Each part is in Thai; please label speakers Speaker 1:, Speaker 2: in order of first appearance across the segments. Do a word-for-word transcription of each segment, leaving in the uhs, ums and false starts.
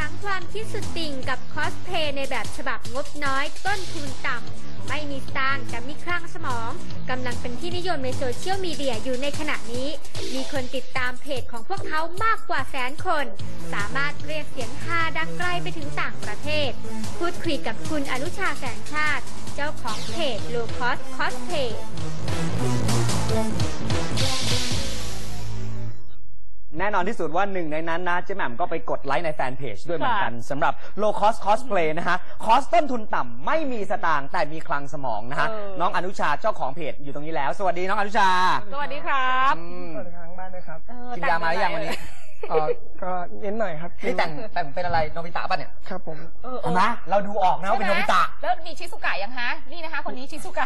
Speaker 1: งความคิดสุดติ่งกับคอสเพลย์ในแบบฉบับงบน้อยต้นทุนต่ำไม่มีสตางค์แต่มีคลั่งสมองกำลังเป็นที่นิยมในโซเชียลมีเดียอยู่ในขณะนี้มีคนติดตามเพจของพวกเขามากกว่าแสนคนสามารถเรียกเสียงฮาดังไกลไปถึงต่างประเทศพูดคุยกับคุณอนุชาแสงชาติเจ้าของเพจ Low Cost Cosplay
Speaker 2: แน่นอนที่สุดว่าหนึ่งในนั้นนะเจ๊แหม่มก็ไปกดไลค์ในแฟนเพจด้วยเหมือนกันสำหรับ Low Cost Cosplay นะฮะคอสต้นทุนต่ำไม่มีสตางค์แต่มีคลังสมองนะฮะน้องอนุชาเจ้าของเพจอยู่ตรงนี้แล้วสวัสดีน้องอนุชา
Speaker 3: สวัสดีครับ
Speaker 4: สวัสดีทางบ้านด้วยครับ
Speaker 2: กินยามาหรือยังวันนี้
Speaker 4: อ๋อก็เน้นหน่อยครับ
Speaker 2: นี่แต่งแต่งเป็นอะไรโนบิตะป่ะเนี่ย
Speaker 4: ครับผม
Speaker 2: เห็นไหมเราดูออกนะว่าเป็นโนบิตะ
Speaker 3: แล้วมีชิซุกะยังฮะนี่นะคะคนนี้ชิซุกะ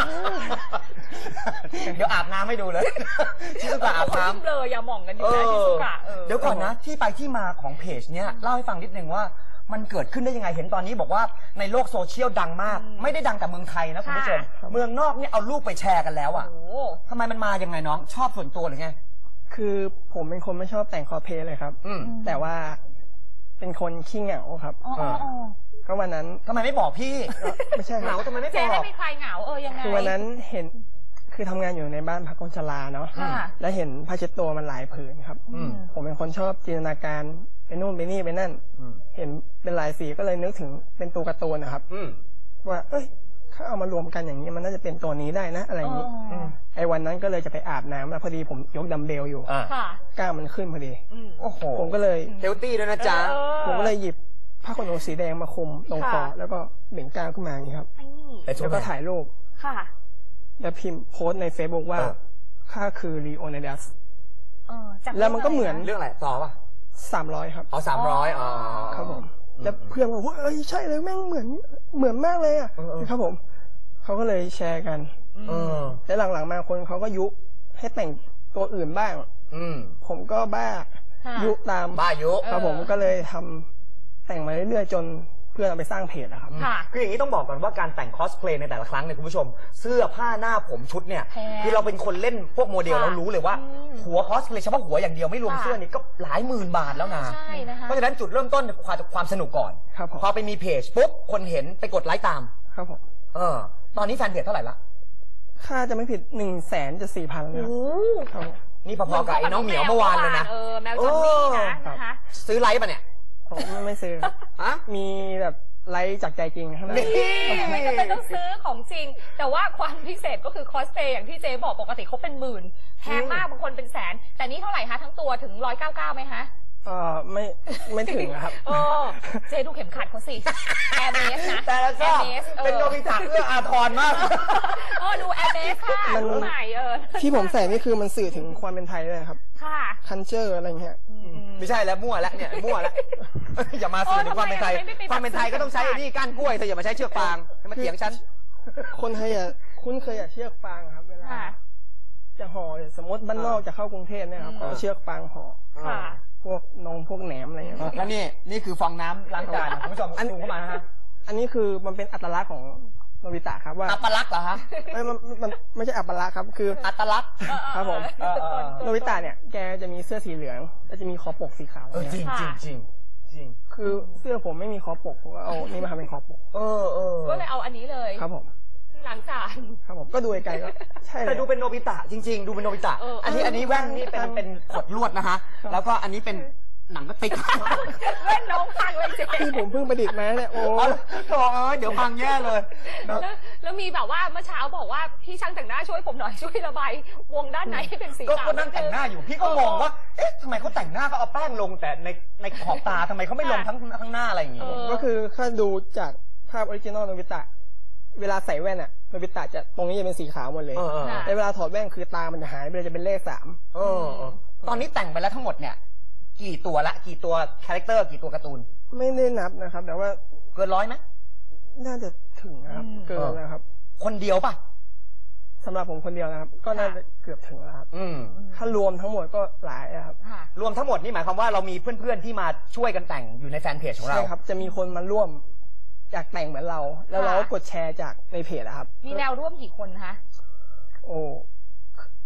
Speaker 2: เดี๋ยวอาบน้ำให้ดูเลยชิซุกะอาบน้ำ
Speaker 3: เลยอย่าหม่องกันอยู่นะชิซุกะ
Speaker 2: เดี๋ยวก่อนนะที่ไปที่มาของเพจเนี้ยเล่าให้ฟังนิดนึงว่ามันเกิดขึ้นได้ยังไงเห็นตอนนี้บอกว่าในโลกโซเชียลดังมากไม่ได้ดังแต่เมืองไทยนะคุณผู้ชมเมืองนอกเนี่ยเอารูปไปแชร์กันแล้วอ่ะทำไมมันมายังไงน้องชอบส่วนตัวหรือไง
Speaker 4: คือผมเป็นคนไม่ชอบแต่งคอสเพลย์เลยครับแต่ว่าเป็นคนขี้เหงาครับก็วันนั้น
Speaker 2: ทำไมไม่บอกพี่
Speaker 4: ไม่ใช่
Speaker 2: เหงาทำไมไม่บอก
Speaker 3: เจ๊ให้ไม่ใครเหงาเออยังไง
Speaker 4: คือวันนั้นเห็นคือทำงานอยู่ในบ้านพักคนชราเนาะแล้วเห็นผ้าเช็ดตัวมันหลายผืนครับผมเป็นคนชอบจินตนาการไปนู่นไปนี่ไปนั่นเห็นเป็นหลายสีก็เลยนึกถึงเป็นตัวการ์ตูนนะครับว่าเอ้ยถ้าเอามารวมกันอย่างนี้มันน่าจะเป็นตัวนี้ได้นะอะไรอย่างนี้ไอ้วันนั้นก็เลยจะไปอาบน้ำแล้วพอดีผมยกดัมเบลอยู่กล้ามมันขึ้นพอดี
Speaker 2: โอ้โห
Speaker 4: ผมก็เลย
Speaker 2: เฮลตี้ด้วยนะจ๊ะ
Speaker 4: ผมก็เลยหยิบผ้าขนหนูสีแดงมาคลุมตรงคอแล้วก็เบ่งกล้ามขึ้นมาอย่างนี้ครับแล้วก็ถ่ายรูปแล้วพิมพ์โพสในเฟซบุ๊กว่าข้าคือลีโอนิดัสแล้วมันก็เหมือน
Speaker 2: เรื่องอะไรต่อป่ะ
Speaker 4: สามร้อยครับ
Speaker 2: อ๋อสามร้อยอ๋อ
Speaker 4: ครับผมแล้วเพื่อนบอกว่าเอ้ยใช่เลยแม่งเหมือนเหมือนมากเลยอ่ะครับผมเขาก็เลยแชร์กันแล้วหลังๆมาคนเขาก็ยุให้แต่งตัวอื่นบ้างผมก็บ้ายุตาม
Speaker 2: บ้ายุ
Speaker 4: ครับผมก็เลยทำแต่งมาเรื่อยๆจนเพื่อนเอาไปสร้างเพจนะครับ
Speaker 2: คืออย่างนี้ต้องบอกก่อนว่าการแต่งคอสเพลย์ในแต่ละครั้งเนี่ยคุณผู้ชมเสื้อผ้าหน้าผมชุดเนี่ยคือเราเป็นคนเล่นพวกโมเดลเรารู้เลยว่าหัวคอสเพลย์เฉพาะหัวอย่างเดียวไม่รวมเสื้อนี่ก็หลายหมื่นบาทแล้วนะเพราะฉะนั้นจุดเริ่มต้นความความสนุกก่อนพอไปมีเพจปุ๊บคนเห็นไปกดไลค์ตาม
Speaker 4: ครับผม
Speaker 2: เออตอนนี้แฟนเพจเท่าไหร่ละ
Speaker 4: ค่าจะไม่ผิดหนึ่งแสนจะสี่พันเลยครับ
Speaker 2: นี่พอๆกับไอ้น้องเหมียวเมื่อวานเลยนะ
Speaker 3: เออแมวจอนนี่นะนะคะ
Speaker 4: ซื้
Speaker 3: อ
Speaker 4: ไลค์ป่ะเนี่ยผมไม่ซื้อฮะมีแบบไลค์จากใจจริงครับ
Speaker 3: ไม่จำเป็นต้องซื้อของจริงแต่ว่าความพิเศษก็คือคอสเพลย์อย่างที่เจ๊บอกปกติเขาเป็นหมื่นแพงมากบางคนเป็นแสนแต่นี่เท่าไหร่คะทั้งตัวถึงร้อยเก้าเก้าไหมคะ
Speaker 4: เออไม่ไม่ถึงครับ
Speaker 3: โอ้เจ๊ดูเข็มขัดเขาสิแอร์เมสนะ
Speaker 2: แต่ละก็เป็นโนบิตะเอื้ออาทรมาก
Speaker 3: เออดูแอร์เมสค่ะดูใหม่เออ
Speaker 4: ที่ผมใส่นี่คือมันสื่อถึงความเป็นไทยเลยครับค่ะคันเจอร์อะไรเงี้ย
Speaker 2: ไม่ใช่แล้วมั่วแล้วเนี่ยมั่วแล้วอย่ามาสื่อถึงความเป็นไทยความเป็นไทยก็ต้องใช้นี่ก้านกล้วยเธออย่ามาใช้เชือกฟางมาเถียงฉัน
Speaker 4: คนไทยอ่ะคุ้นเคยอ่ะเชือกฟางครับเวลาจะห่อสมมติบ้านนอกจะเข้ากรุงเทพเนี่ยครับเอาเชือกฟางห่อพวกนงพวกแหนมอะไรอย่างเงี้ย
Speaker 2: แล้วนี่นี่คือฟองน้ำล้างจานคุณผู้ชมดูเข้ามาฮะ
Speaker 4: อันนี้คือมันเป็นอัตลักษณ์ของโนบิตะครับว่า
Speaker 2: อัตลักษณ์เหรอฮะ
Speaker 4: ไม่มันมันไม่ใช่อัตลักษณ์ครับคือ
Speaker 2: อัตลักษณ์
Speaker 4: ครับผมโนบิตะเนี่ยแกจะมีเสื้อสีเหลืองแล้วจะมีคอปกสีขาว
Speaker 2: จริงจริงจริงจริง
Speaker 4: คือเสื้อผมไม่มีคอปกผมก็เอานี่มาทำเป็นคอปก
Speaker 2: เออเออ
Speaker 3: ก็เลยเอาอันนี้เลย
Speaker 4: ครับผม
Speaker 3: ล้างจาน
Speaker 4: ครับผมก็ดูไกลก็ใช่
Speaker 2: แต่ดูเป็นโนบิตะจริงๆดูเป็นโนบิตะอันนี้อันนี้แว่นนี่เป็นเป็นขดลวดนะฮะแล้วก็อันนี้เป็นหนังก็ติด
Speaker 3: เล่นน้องพังเลยเจ๊
Speaker 4: ที่ผมเพิ่งประดิษฐ์มาเนี่ยโอ้
Speaker 2: โหเดี๋ยวพังแย่เลย
Speaker 3: แล้วมีแบบว่าเมื่อเช้าบอกว่าพี่ช่างแต่งหน้าช่วยผมหน่อยช่วยระบายวงด้านไหนให้เป็นสีขาว
Speaker 2: ก็นั่งแต่งหน้าอยู่พี่ก็งงว่าเอ๊ะทำไมเขาแต่งหน้าก็เอาแป้งลงแต่ในในขอบตาทำไมเขาไม่ลงทั้งทั้งหน้าอะไรอย่างงี้
Speaker 4: ก็คือถ้าดูจากภาพออริจินอลโนบิตะเวลาใส่แว่นอะโนบิตะจะตรงนี้จะเป็นสีขาวหมดเลยแต่เวลาถอดแว่นคือตามันจะหายไปเลยจะเป็นเลขสาม
Speaker 2: ตอนนี้แต่งไปแล้วทั้งหมดเนี่ยกี่ตัวละกี่ตัวคาแรคเตอร์กี่ตัวการ์ตูน
Speaker 4: ไม่ได้นับนะครับแต่ว่า
Speaker 2: เกินร้อยไหม
Speaker 4: น่าจะถึงนะครับเกินนะครับ
Speaker 2: คนเดียวป่ะ
Speaker 4: สำหรับผมคนเดียวนะครับก็น่าจะเกือบถึงแล้วครับถ้ารวมทั้งหมดก็หลายครับ
Speaker 2: รวมทั้งหมดนี่หมายความว่าเรามีเพื่อนๆที่มาช่วยกันแต่งอยู่ในแฟนเพจของเรา
Speaker 4: ใช่ครับจะมีคนมาร่วมอยากแต่งเหมือนเราแล้วเราก็กดแชร์จากในเพจครับ
Speaker 3: มีแนวร่วมกี่คนคะ
Speaker 4: โอ้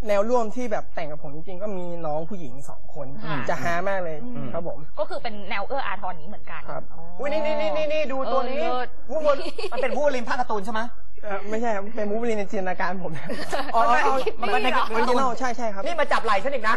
Speaker 4: แนวร่วมที่แบบแต่งกับผมจริงๆก็มีน้องผู้หญิงสองคนจะฮามากเลยครับผม
Speaker 3: ก็คือเป็นแนวเอื้ออาทรนี้เหมือนกัน
Speaker 4: ครับ
Speaker 2: อุ้ยนี่นี่นี่นี่ดูตัวนี้วูบมันเป็นวูบลินภาคการ์ตูนใช่ไหม
Speaker 4: ไม่ใช่ครับเป็นมูฟลินในจินตนาการผม
Speaker 2: อ๋อมันในการ์ตูน
Speaker 4: ใช่ใช่ครับ
Speaker 2: นี่มาจับไหล่ฉันอีกนะ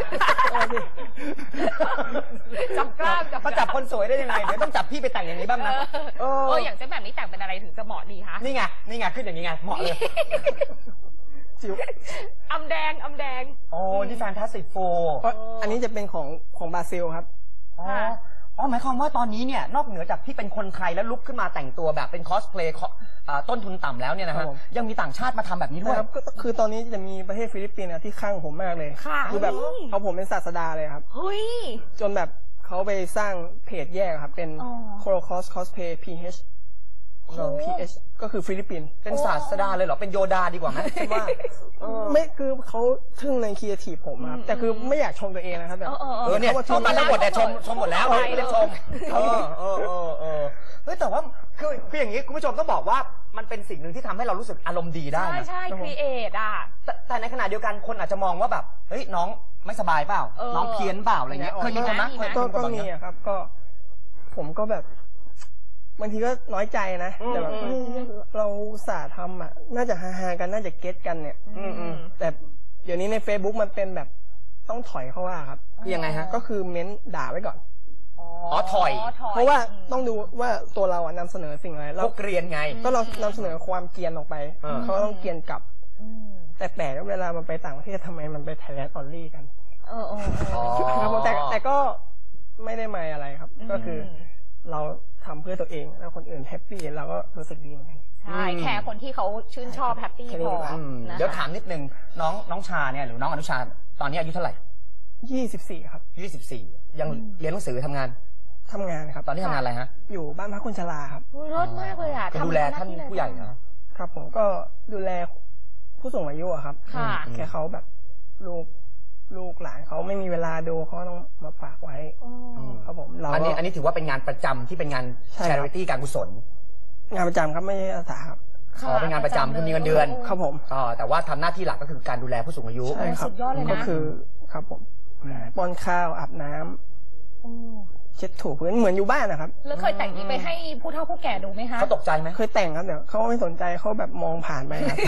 Speaker 3: จับกล้ามจับ
Speaker 2: มาจับคนสวยได้ยังไงเดี๋ยวต้องจับพี่ไปแต่งอย่างนี้บ้างนะ
Speaker 3: เอออย่างเจ๊แบบนี้แต่งเป็นอะไรถึงจะเหมาะดีคะ
Speaker 2: นี่ไงนี่ไงขึ้นอย่างนี้ไงเหมาะเลย
Speaker 4: จิ๋ว
Speaker 3: อำแดงอำแดง
Speaker 2: โอ้นี่แฟนตาสติกโฟร์
Speaker 4: อันนี้จะเป็นของของบราซิลครับ
Speaker 2: อ๋ออ๋อหมายความว่าตอนนี้เนี่ยนอกเหนือจากที่เป็นคนไทยแล้วลุกขึ้นมาแต่งตัวแบบเป็นคอสเพลย์ต้นทุนต่ำแล้วเนี่ยนะฮะยังมีต่างชาติมาทำแบบนี้ด้วย
Speaker 4: ครับคือตอนนี้จะมีประเทศฟิลิปปินส์ที่ข้างผมมากเลยคือแบบเขาผมเป็นศาสดาเลยครับจนแบบเขาไปสร้างเพจแยกครับเป็น Holocaust Cosplay พี เอช พี เอช ก็คือฟิลิปปินส์
Speaker 2: เป็นศาสดาเลยเหรอเป็นโยดาดีกว่าไหมคิดว่า
Speaker 4: ไม่คือเขาทึ่งในครีเอทีฟผมครับแต่คือไม่อยากชมตัวเองนะครับแบบ
Speaker 2: เออเนี่ยชมมาทั้งหมดแต่ชมชมหมดแล้วไม่ได้ชมเออเออเออเออเฮ้ยแต่ว่าคือคืออย่างนี้คุณผู้ชมต้องบอกว่ามันเป็นสิ่งหนึ่งที่ทำให้เรารู้สึกอารมณ์ดีได้
Speaker 3: ใช่ใช่ครีเอทอ่ะ
Speaker 2: แต่ในขณะเดียวกันคนอาจจะมองว่าแบบเฮ้ยน้องไม่สบายเปล่าน้องเพี้ยนเปล่าอะไรเงี้ยเคยมีคนนะ
Speaker 4: ก็มีครับก็ผมก็แบบบางทีก็น้อยใจนะแต่แบบเราสาทำอ่ะน่าจะฮาๆกันน่าจะเก็ตกันเนี่ยแต่เดี๋ยวนี้ใน Facebook มันเป็นแบบต้องถอยเข้าว่าครับ
Speaker 2: คือยังไงฮะ
Speaker 4: ก็คือเม้นด่าไว้ก่อน
Speaker 2: อ๋อถอย
Speaker 4: เพราะว่าต้องดูว่าตัวเราอ่ะนำเสนอสิ่งอะไร
Speaker 2: เราเกรียนไง
Speaker 4: ก็เรานำเสนอความเกรียนออกไปเขาต้องเกรียนกลับแต่แปลกเวลามันไปต่างประเทศทำไมมันไปไทยแลนด์ออลลี่กัน
Speaker 3: เออ
Speaker 4: ครับแต่แต่ก็ไม่ได้หมายอะไรครับก็คือเราทำเพื่อตัวเองแล้วคนอื่นแฮปปี้เราก็รู้สึกดีเหมือนกัน
Speaker 3: ใช่แค่คนที่เขาชื่นชอบแฮปปี้พอ
Speaker 2: เดี๋ยวถามนิดนึงน้องน้องชาเนี่ยหรือน้องอนุชาตอนนี้อายุเท่าไหร่
Speaker 4: ยี่สิบสี่ครับ
Speaker 2: ยี่สิบสี่ยังเรียนหนังสือทำงาน
Speaker 4: ทำงานครับ
Speaker 2: ตอนนี้ทำงานอะไรฮะ
Speaker 4: อยู่บ้านพักคนชราครับ
Speaker 3: รถมากเลยอ่ะ
Speaker 2: ดูแลท่านผู้ใหญ่
Speaker 4: นะครับผมก็ดูแลผู้สูงอายุครับแค่เขาแบบลูกลูกหลานเขาไม่มีเวลาดูเขาต้องมาฝากไว้ครับผมเรา
Speaker 2: อันนี้อันนี้ถือว่าเป็นงานประจำที่เป็นงาน charity การกุศล
Speaker 4: งานประจำครับไม่ใช่อาสาครับ
Speaker 2: อ๋อเป็นงานประจำคือมีเงินเดือน
Speaker 4: ครับผม
Speaker 2: อ๋อแต่ว่าทำหน้าที่หลักก็คือการดูแลผู้สูงอายุ
Speaker 4: ใช่ครับก็คือครับผมป้อนข้าวอาบน้ำเช็ดถูพื้นเหมือนอยู่บ้านนะครับ
Speaker 3: แล้วเคยแต่งนี้ไปให้ผู้เฒ่าผู้แก่ดูไหมคะ
Speaker 2: เขาตกใจไหม
Speaker 4: เคยแต่งครับเดี๋ยวเขาไม่สนใจเขาแบบมองผ่านไปครับ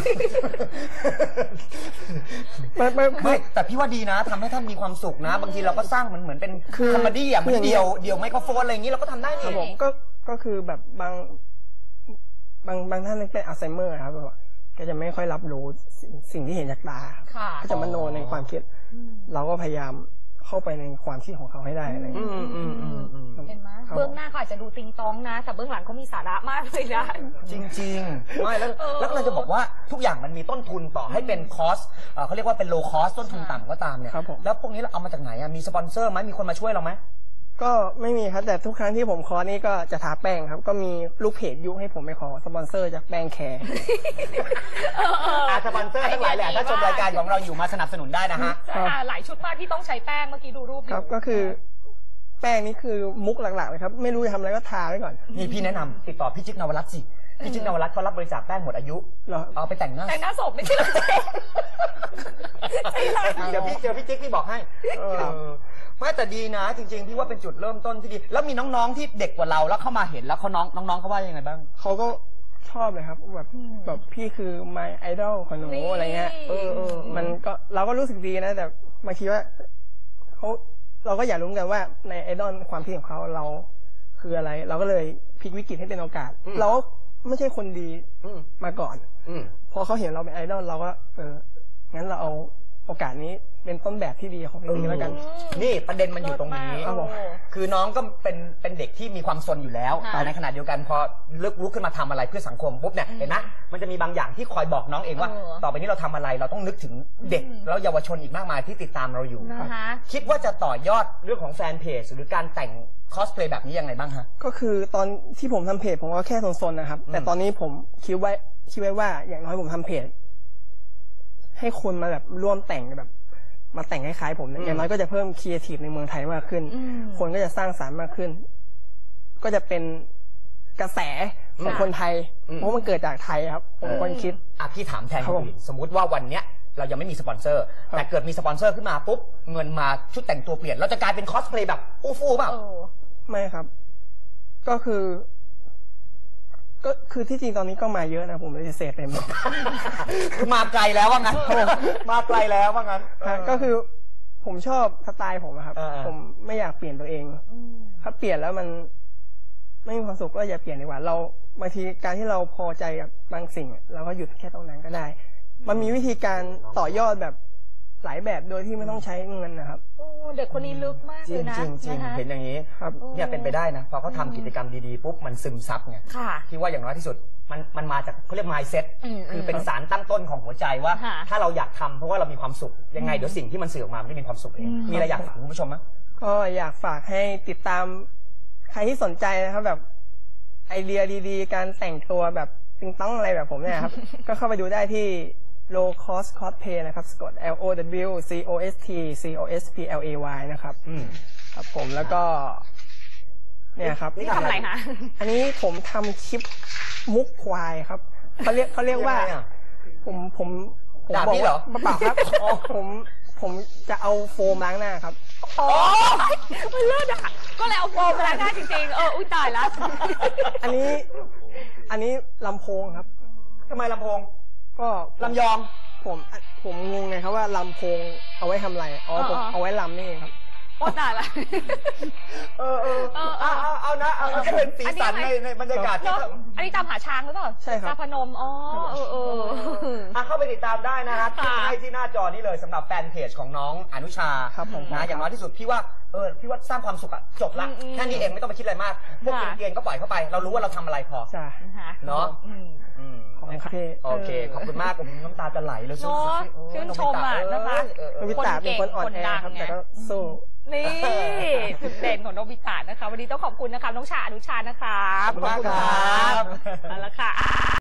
Speaker 2: ไม่ไม่แต่พี่ว่าดีนะทำให้ท่านมีความสุขนะบางทีเราก็สร้างมันเหมือนเป็นคอมเมดี้อ่ะเหมือนเดียวเดียวไมโครโฟนอะไรอย่างนี้เราก็ทำได้
Speaker 4: ครับผมก็ก็คือแบบบางบางบางท่านเป็นอัลไซเมอร์ครับก็จะไม่ค่อยรับรู้สิ่งที่เห็นจากตาก็จะมโนในความคิดเราก็พยายามเข้าไปในความคิดของเขาให้ได้อะไรอย่างเงี้ย
Speaker 3: เห็นไหมเบื้องหน้าเขาอาจจะดูติงตองนะแต่เบื้องหลังเขามีสาระมากเลยนะ
Speaker 2: จริงๆไม่แล้วแล้วเราจะบอกว่าทุกอย่างมันมีต้นทุนต่อให้เป็นคอสเขาเรียกว่าเป็นโลคอสต้นทุนต่ำก็ตามเนี่ยแล้วพวกนี้เราเอามาจากไหนอ่ะมีสปอนเซอร์ไหมมีคนมาช่วยเราไหม
Speaker 4: ก็ไม่มีครับแต่ทุกครั้งที่ผมคอนี่ก็จะทาแป้งครับก็มีลูกเพจยุให้ผมไปขอสปอนเซอร์จากแป้งแคร์
Speaker 2: อาสปอนเซอร์ทั้งหลายแหละถ้าชมรายการของเราอยู่มาสนับสนุนได้นะฮะ
Speaker 3: หลายชุดมากที่ต้องใช้แป้งเมื่อกี้ดูรูป
Speaker 4: ครับก็คือแป้งนี้คือมุกหลักๆเลยครับไม่รู้จะทำอะไรก็ทาไว้ก่อน
Speaker 2: นี่พี่แนะนำติดต่อพี่จิ๊กนวรัตน์สิพี่จิ๊กนวรัตน์เขารับบริจาคแป้งหมดอายุเอาไปแต่งหน้า
Speaker 3: แต่งหน้าศพไม่ใช่หรอ
Speaker 2: เดี๋ยวพี่เจอพี่จิ๊กพี่บอกให้ไม่แต่ดีนะจริงๆพี่ว่าเป็นจุดเริ่มต้นที่ดีแล้วมีน้องๆที่เด็กกว่าเราแล้วเข้ามาเห็นแล้วเขาน้องน้องๆเขาว่ายังไงบ้าง
Speaker 4: เขาก็ชอบเลยครับแบบแบบพี่คือ my idol ของหนูอะไรเงี้ยเออมันก็เราก็รู้สึกดีนะแต่บางทีว่าเขาเราก็อยากรู้กันว่าในไอดอลความคิดของเขาเราคืออะไรเราก็เลยพลิกวิกฤตให้เป็นโอกาสเราไม่ใช่คนดีมาก่อนพอเขาเห็นเราเป็นไอดอลเราก็เอองั้นเราเอาโอกาสนี้เป็นต้นแบบที่ดีของพี่แล้วกัน
Speaker 2: นี่ประเด็นมันอยู่ตรงนี้คือน้องก็เป็นเป็นเด็กที่มีความซนอยู่แล้วแต่ในขณะเดียวกันพอเลิกลุกขึ้นมาทำอะไรเพื่อสังคมปุ๊บเนี่ยเห็นไหมมันจะมีบางอย่างที่คอยบอกน้องเองว่าต่อไปนี้เราทำอะไรเราต้องนึกถึงเด็กแล้วเยาวชนอีกมากมายที่ติดตามเราอยู่คิดว่าจะต่อยอดเรื่องของแฟนเพจหรือการแต่งคอสเพลย์แบบนี้ยังไงบ้างฮะ
Speaker 4: ก็คือตอนที่ผมทำเพจผมก็แค่ซนๆนะครับแต่ตอนนี้ผมคิดไว้คิดไว้ว่าอย่างน้อยผมทำเพจให้คนมาแบบร่วมแต่งแบบมาแต่งคล้ายๆผมอย่างน้อยก็จะเพิ่มครีเอทีฟในเมืองไทยมากขึ้นคนก็จะสร้างสรรค์มากขึ้นก็จะเป็นกระแสของคนไทยเพราะมันเกิดจากไทยครับผมคนคิด
Speaker 2: อ่ะพี่ถามแทนสมมุติว่าวันเนี้ยเรายังไม่มีสปอนเซอร์แต่เกิดมีสปอนเซอร์ขึ้นมาปุ๊บเงินมาชุดแต่งตัวเปลี่ยนเราจะกลายเป็นคอสเพลย์แบบอู้ฟู่เปล่า
Speaker 4: ไม่ครับก็คือก็คือที่จริงตอนนี้ก็มาเยอะนะผมเลยเสพไปหมด
Speaker 2: คือมาไกลแล้วว่างั้นมาไกลแล้วว่างั้น
Speaker 4: ก็คือผมชอบสไตล์ผมครับผมไม่อยากเปลี่ยนตัวเองถ้าเปลี่ยนแล้วมันไม่มีความสุขก็อย่าเปลี่ยนดีกว่าเราบางทีการที่เราพอใจกับบางสิ่งเราก็หยุดแค่ตรงนั้นก็ได้มันมีวิธีการต่อยอดแบบหลายแบบโดยที่ไม่ต้องใช้เงินนะครับ
Speaker 3: เด็กคนนี้ลึกมากเลยนะ
Speaker 2: จริงจริงเห็นอย่างนี้ครับเนี่ยเป็นไปได้นะพอเขาทำกิจกรรมดีๆปุ๊บมันซึมซับไงที่ว่าอย่างน้อยที่สุดมันมันมาจากเขาเรียก mindset คือเป็นสารตั้งต้นของหัวใจว่าถ้าเราอยากทำเพราะว่าเรามีความสุขยังไงเดี๋ยวสิ่งที่มันสื่อออกมาไม่มีความสุขเองมีอะไรอยากฝากคุณผู้ชมไหม
Speaker 4: ก็อยากฝากให้ติดตามใครที่สนใจนะครับแบบไอเดียดีๆการแต่งตัวแบบติงต้องอะไรแบบผมเนี่ยครับก็เข้าไปดูได้ที่ low cost cosplay นะครับสะกด L O W C O S T C O S P L A Y นะครับครับผมแล้วก็เนี่ยครับ
Speaker 3: นี่ทำอะไรคะ
Speaker 4: อันนี้ผมทำคลิปมุกควายครับเขาเรียกเขาเรียกว่าผมผม
Speaker 2: ผมบอกว่า
Speaker 4: เปล่าครับผมผมจะเอาโฟมล้างหน้าครับ
Speaker 3: โอ้มันเลิศอ่ะก็เลยเอาโฟมล้างหน้าจริงๆเอออุ้ยตายแล้ว
Speaker 4: อันนี้อันนี้ลำโพงครับ
Speaker 2: ทำไมลำโพง
Speaker 4: ก็
Speaker 2: ลำยอง
Speaker 4: ผมผมงงไงครับว่าลำโพงเอาไว้ทำอะไรอ๋อผมเอาไว้ลำนี่เองครับ
Speaker 3: โอ้ตายละ
Speaker 2: เออเออเอาเอาเอานะเอาก็เป็นสีสันในในบรรยากาศที่
Speaker 3: อันนี้ตามหาช้างหรือเปล่า
Speaker 4: ใช่ครับ
Speaker 3: ตาพนมอ๋อเออเออ
Speaker 2: อ่ะเข้าไปติดตามได้นะฮะให้ที่หน้าจอนี้เลยสำหรับแฟนเพจของน้องอนุชา
Speaker 4: ครับผม
Speaker 2: นะอย่างน้อยที่สุดพี่ว่าเออพี่ว่าสร้างความสุขอะจบละแค่นี้เองไม่ต้องไปคิดอะไรมากพวกเกรียนก็ปล่อยเข้าไปเรารู้ว่าเราทำอะไรพอเนาะ
Speaker 4: ขอบคุณครับ
Speaker 2: โอเคขอบคุณมากผมน้ำตาจะไหลเลย
Speaker 3: สู้ชื่นชมอ่ะนะคะ
Speaker 4: โนบิตะเป็นคนอ่อนแอครับแต่ก็สู้
Speaker 3: นี่จุดเด่นของโนบิตะนะคะวันนี้ต้องขอบคุณนะคะน้องชาอนุชานะคะ
Speaker 2: ขอบคุณมากครับ
Speaker 3: เอาละค่ะ